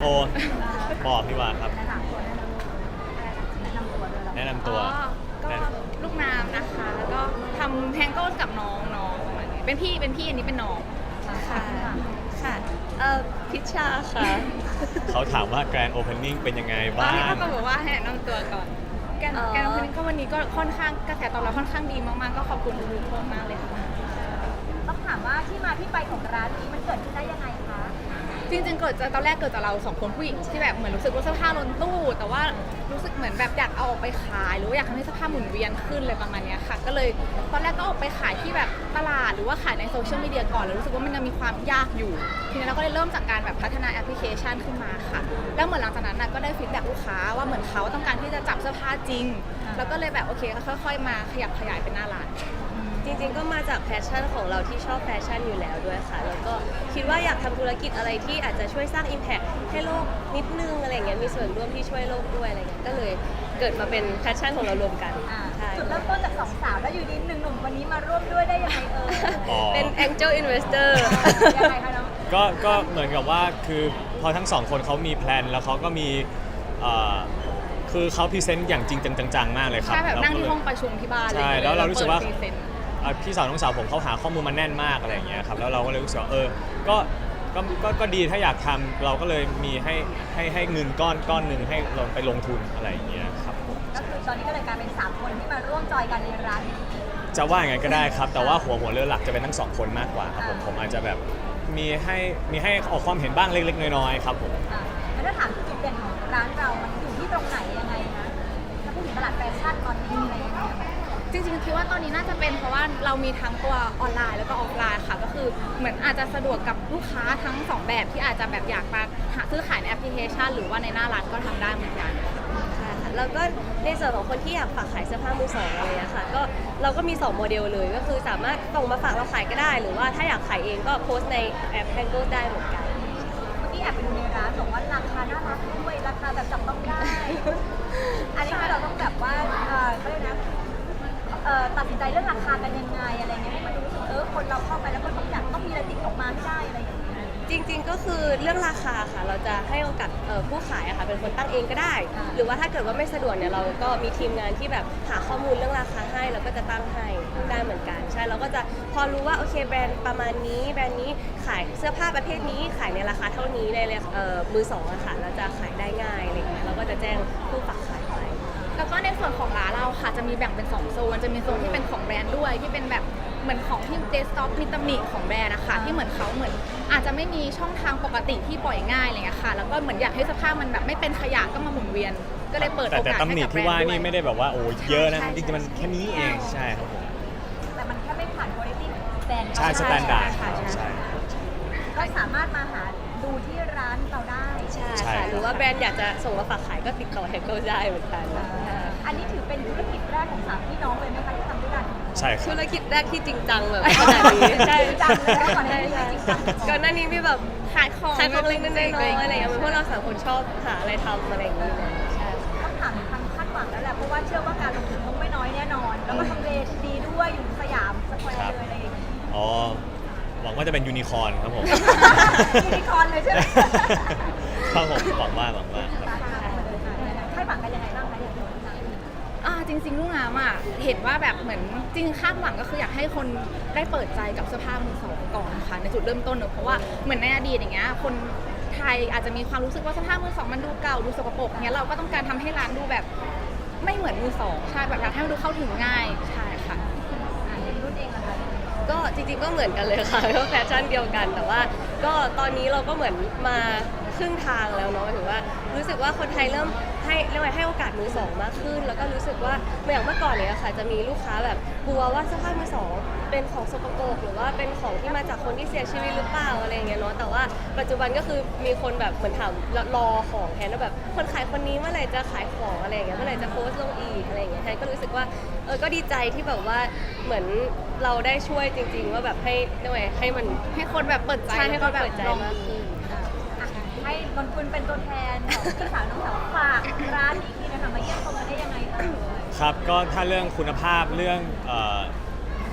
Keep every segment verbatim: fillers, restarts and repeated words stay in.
โอบอกพี่ว่าครับแนะนำตัวแนะนำตัวด้วยแนะนำตัวอ๋อก็ลูกน้ำนะคะ แล้วก็ทำแทงโก้กับน้องน้องประมาณนี้เป็นพี่เป็นพี่อันนี้เป็นน้องค่ะค่ะเอ่อพิชชาค่ะเขาถามว่าแกรนด์โอเพนนิ่งเป็นยังไงตอนบ้านี้งเขาก็บอกว่าให้แนะนำตัวก่อนแกนอ๋อแกนคนนี้ก็วันนี้ก็ค่อนข้างกระแสตอบรับค่อนข้างดีมากๆก็ขอบคุณทุกคนมากเลยค่ะต้องถามว่าที่มาที่ไปของร้านนี้มันเกิดขึ้นได้ยังไงคะจริงๆเกิดจากตอนแรกเกิดจากเราสองคนผู้หญิงที่แบบเหมือนรู้สึกว่าเสื้อผ้าล้นตู้ แต่ว่ารู้สึกเหมือนแบบอยากเอาออกไปขาย หรือว่าอยากทำให้เสื้อผ้าหมุนเวียนขึ้นเลยประมาณเนี้ยค่ะ ก็เลยตอนแรกก็ออกไปขายที่แบบตลาดหรือว่าขายในโซเชียลมีเดียก่อนแล้วรู้สึกว่ามันยังมีความยากอยู่ทีนี้เราก็เลยเริ่มจากการแบบพัฒนาแอปพลิเคชันขึ้นมาค่ะแล้วเหมือนหลังจากนั้นน่ะก็ได้ฟีดแบ็กลูกค้าว่าเหมือนเขาต้องการที่จะจับเสื้อผ้าจริง แล้วก็เลยแบบโอเคค่อยๆมาขยับขยายเป็นหน้าร้านจริงๆก็มาจากแพชชั่นของเราที่ชอบแฟชั่นอยู่แล้วด้วยค่ะ แล้วก็คิดว่าอยากทำธุรกิจอะไรที่อาจจะช่วยสร้าง Impact ให้โลกนิดนึงอะไรเงี้ยมีส่วนร่วมที่ช่วยโลกด้วยอะไรเงี้ยก็เลยเกิดมาเป็นแพชชั่นของเรารวมกันอ่าใช่จุดเริ่มต้นจากสองสาวแล้วอยู่ดีหนึ่งหนุ่มวันนี้มาร่วมด้วยได้ยังไงเอ่ยอ๋อเป็น Angel Investor ยังไงคะน้องก็ก็เหมือนกับว่าคือพอทั้งสองคนเขามีแพลนแล้วเขาก็มีเอ่อคือเขาพรีเซนต์อย่างจริงจังๆมากเลยครับใช่แบบนั่งที่เาก็เลยห้องประชุมที่บ้านใช่ลยแล้วเรารู้สึกว่าเปิดพรีเซนต์อ่ะพี่สาวน้องสาวผมเขาหาข้อมูลมาแน่นมากอะไรอย่างเงี้ยครับแล้วเราก็เลยรู้สึกว่าเออก็ก็ก็ก็ดีถ้าอยากทำเราก็เลยมีให้ให้ให้เงินก้อนก้อนหนึ่งให้เราไปลงทุนอะไรอย่างเงี้ยครับผมก็คือตอนนี้ก็เลยกลายเป็นสามคนที่มาร่วมจอยกันในร้านนี้จะว่าอย่างไงก็ได้ครับ แต่ว่าหัวหัวเรือหลักจะเป็นทั้งสองคนมากกว่าครับผมผมอาจจะแบบมีให้มีให้ออกความเห็นบ้างเล็กๆน้อยๆครับผมอ่ะแล้วถ้าถามจุดเด่นของร้านเรา มันอยู่ที่ตรงไหนยังไงนะถ้าพูดถึงตลาดแฟชั่นตอนนี้อะไรอย่างเงี้ยจริงๆคิดว่าตอนนี้น่าจะเป็นเพราะว่าเรามีทั้งตัวออนไลน์แล้วก็ออฟไลน์ค่ะก็คือเหมือนอาจจะสะดวกกับลูกค้าทั้งสองแบบที่อาจจะแบบอยากมาหาซื้อขายในแอปพลิเคชัน หรือว่าในหน้าร้านก็ทำได้เหมือนกันค่ะแล้วก็ในส่วนของคนที่อยากฝากขายเสื้อผ้ามือสองอะไรอย่างเงี้ยค่ะก็เราก็มีสองโมเดลเลยก็คือสามารถส่งมาฝากเราขายก็ได้ หรือว่าถ้าอยากขายเองก็โพสต์ในแอป Tango ได้เหมือนกันเมื่อกี้แอบไปดูในร้านบอกว่าราคาน่ารักด้วยราคาแบบจับต้องได้ อันนี้คือเราต้องแบบว่าเออเขาเรียกนะเอ่อตัดสินใจเรื่องราคากันยังไงอะไรเงี้ยให้มันรู้สึกเออคนเราเข้าไปแล้วก็ต้องอยากต้องมีอะไรติดออกมาให้ได้อะไรอย่างเงี้ยจริงๆ ก็คือเรื่องราคาค่ะ เราจะให้โอกาสเอ่อผู้ขายอะค่ะเป็นคนตั้งเองก็ได้อ่าหรือว่าถ้าเกิดว่าไม่สะดวกเนี่ยเราก็มีทีมงานที่แบบหาข้อมูลเรื่องราคาให้แล้วก็จะตั้งให้ได้เหมือนกันใช่เราก็จะพอรู้ว่าโอเคแบรนด์ประมาณนี้แบรนด์นี้ขายเสื้อผ้าประเภทนี้ขายในราคาเท่านี้ในเอ่อมือสองอะค่ะเราจะขายได้ง่ายอะไรอย่างเงี้ยเราก็จะแจ้งผู้ฝากขายไปแล้วก็ในส่วนของร้านเราค่ะจะมีแบ่งเป็นสองโซนจะมีโซนที่เป็นของแบรนด์ด้วยที่เป็นแบบเหมือนของที่เดสก์ท็อปมีตำหนิของแบรนด์นะคะที่เหมือนเขาเหมือนอาจจะไม่มีช่องทางปกติที่ปล่อยง่ายอะไรเงี้ยค่ะแล้วก็เหมือนอยากให้สภาพมันแบบไม่เป็นขยะก็มาหมุนเวียน ก็เลยเปิดแต่โอกาสแต่ให้ตำหนิกับแบรที่นว่าด์ด้วนี่ยไม่ได้แบบว่าโอ้เยอะนะใช่จริงๆมันแค่นี้เองใช่ครับผมแต่มันแค่ไม่ผ่านคุณภาพแบรนด์ใช่สแตนดาร์ดใช่ใช่ใช่ก็สามารถมาหาดูที่ร้านเราได้ใช่ใช่ค่ะหรือว่าแบรนด์อยากจะส่งมาฝากขายก็ติดต่อ Tango ได้เหมือนกันอันนี้ถือเป็นธุรกิจแรกของสามพี่น้องเลยไหมคะที่ทำด้วยกันใช่ครับธุรกิจแรกที่จริงจังแบบขนาดนี้ใช่จริงจังเลยนะก่อนหน้านี้ใช่จริงจังก่อนหน้านี้มีแบบขายของขายของเล็กๆน้อยๆอะไรอย่างเงี้ยใช่เพราะเราสามคนชอบหาอะไรทำอะไรอย่างเงี้ยใช่ค่ะต้องถามถึงความคาดหวังแล้วแหละเพราะว่าเชื่อว่าการลงทุนต้องไม่น้อยแน่นอน แล้วก็ทำเลดีด้วยอยู่สยามสแควร์เลยอะไรอย่างเงี้ยอ๋อหวังว่าจะเป็นยูนิคอร์นครับผมยูนิคอร์นเลยใช่ไหมครับผมหวังว่าหวังว่าครับคาดหวังกันยังไงบ้างคะเนี่ยอ่าจริงๆลูกน้ำอ่ะเห็นว่าแบบเหมือนจริงคาดหวังก็คืออยากให้คนได้เปิดใจกับเสื้อผ้ามือสองก่อนค่ะในจุดเริ่มต้นเนอะเพราะว่าเหมือนในอดีตอย่างเงี้ยคนไทยอาจจะมีความรู้สึกว่าเสื้อผ้ามือสองมันดูเก่าดูสกปรกเงี้ยเราก็ต้องการทำให้ร้านดูแบบไม่เหมือนมือสองใช่แบบอยากให้มันดูเข้าถึงง่ายใช่ค่ะอ่าเป็นรุ่นเองนะคะก็จริงๆก็เหมือนกันเลยค่ะ ก็แฟชั่นเดียวกัน แต่ว่าก็ตอนนี้เราก็เหมือนมาครึ่งทางแล้วเนาะถือว่ารู้สึกว่าคนไทยเริ่มให้เรียกว่าให้โอกาสมือสองมากขึ้น แล้วก็รู้สึกว่าอย่างเมื่อก่อนเนี่ยค่ะจะมีลูกค้าแบบกลัวว่าเสื้อผ้ามือสองเป็นของสกปรกหรือว่าเป็นของที่มาจากคนที่เสียชีวิตหรือเปล่าอะไรอย่างเงี้ยเนาะแต่ว่าปัจจุบันก็คือมีคนแบบเหมือนถามรอของแทนว่าแบบคนขายคนนี้เมื่อไหร่จะขายของอะไรอย่างเงี้ยเมื่อไหร่จะโพสต์ลงอีกอะไรอย่างเงี้ยแทนก็รู้สึกว่าเออก็ดีใจที่แบบว่าเหมือนเราได้ช่วยจริง ๆ ว่าแบบให้เรียกว่าไงให้มันให้คนแบบเปิดใจใช่ให้แล้วก็แบบคนเปิดใจลองมากขึ้นอ่ะให้นนคุณเป็นตัวแทนของพี่สาวน้องสาวฝากร้านนี้ทีนะคะมาเยี่ยมชมกันได้ยังไงเอ่ยครับก็ถ้าเรื่องคุณภาพเรื่องเอ่อ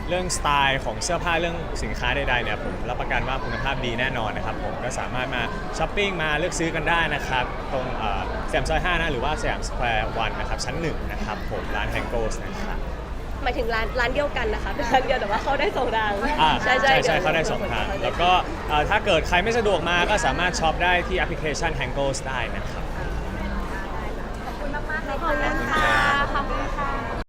เรื่องสไตล์ของเสื้อผ้าเรื่องสินค้าใดๆเนี่ยผมรับประกันว่าคุณภาพดีแน่นอนนะครับผมก็สามารถมาช้อปปิ้งมาเลือกซื้อกันได้นะครับตรงเอ่อสยามซอยห้านะหรือว่าสยามสแควร์วันนะครับชั้นหนึ่งนะครับผมร้านแฮงโกสนะครับหมายถึงร้านร้านเดียวกันนะคะเป็นร้านเดียวแต่ว่าเข้าได้สองทางอ่าใช่ใช่ใช่ใช่เขาได้สองทางแล้วก็เอ่อถ้าเกิดใครไม่สะดวกมาก็สามารถช็อปได้ที่แอปพลิเคชัน Hangos ได้นะครับขอบคุณมากๆเลยขอบคุณค่ะขอบคุณค่ะ